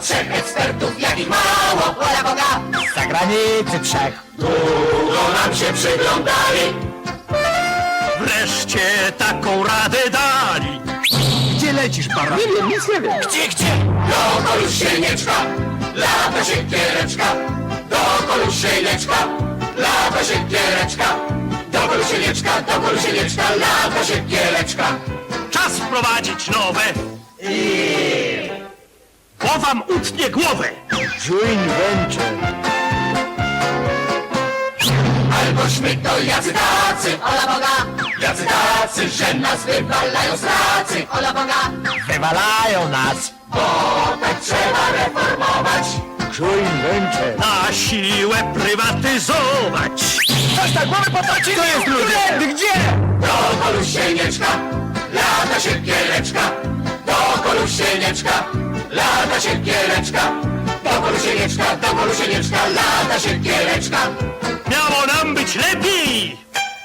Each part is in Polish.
trzech ekspertów, jakich mało, wola Boga. Z zagranicy trzech. Długo nam się przyglądali. Wreszcie taką radę dali. Gdzie lecisz, para? Nie wiem, nic nie wiem. Gdzie? Dookoła już sienieczka, lata siekiereczka. Dookoła już sienieczka, lata siekiereczka. Dookoła sienieczka, lata siekiereczka. Czas wprowadzić nowe. Bo wam utnie głowę. Joint venture. Albośmy to jacy tacy, ola Boga. Jacy tacy, że nas wywalają z pracy, ola Boga. Wywalają nas. Bo tak trzeba reformować. Joint venture. Na siłę prywatyzować. Coś na głowę potracili! To jest ludzie! Gdzie? Dookoła sienieczka, lata siekiereczka. Dookoła sienieczka, lata siekiereczka. Dookoła sienieczka, lata siekiereczka. Miało nam być lepiej.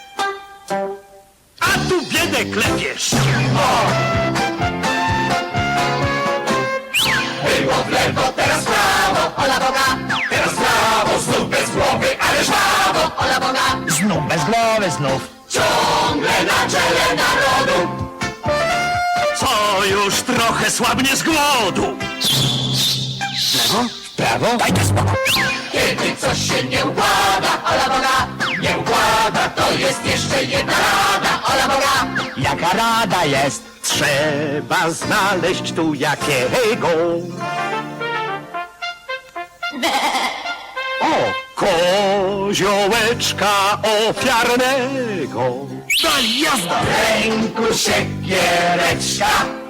A tu biedę klepiesz. Było w lewo, teraz w prawo, ola Boga. Teraz w prawo, znów bez głowy, ale żwawo, ola Boga. Znów bez głowy, znów. Ciągle na czele narodu. Co już trochę słabnie z głodu. Lewo? Prawo? Dajcie spokój. Kiedy coś się nie układa, ola Boga. Nie układa, to jest jeszcze jedna rada, ola Boga. Jaka rada jest? Trzeba znaleźć tu jakiego. O, koziołeczka ofiarnego. Daj, jazda! W ręku siekiereczka,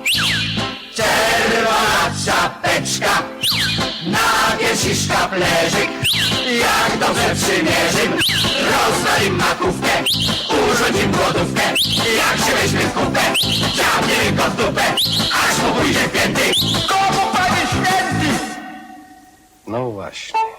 czerwona czapeczka, na piersi szkaplerzyk. Jak dobrze przymierzym, rozwalim makówkę, urządzim głodówkę. Jak się weźmie w kupę, ciągnie go w dupę, aż mu pójdzie w pięty. Komu, panie święty? No właśnie.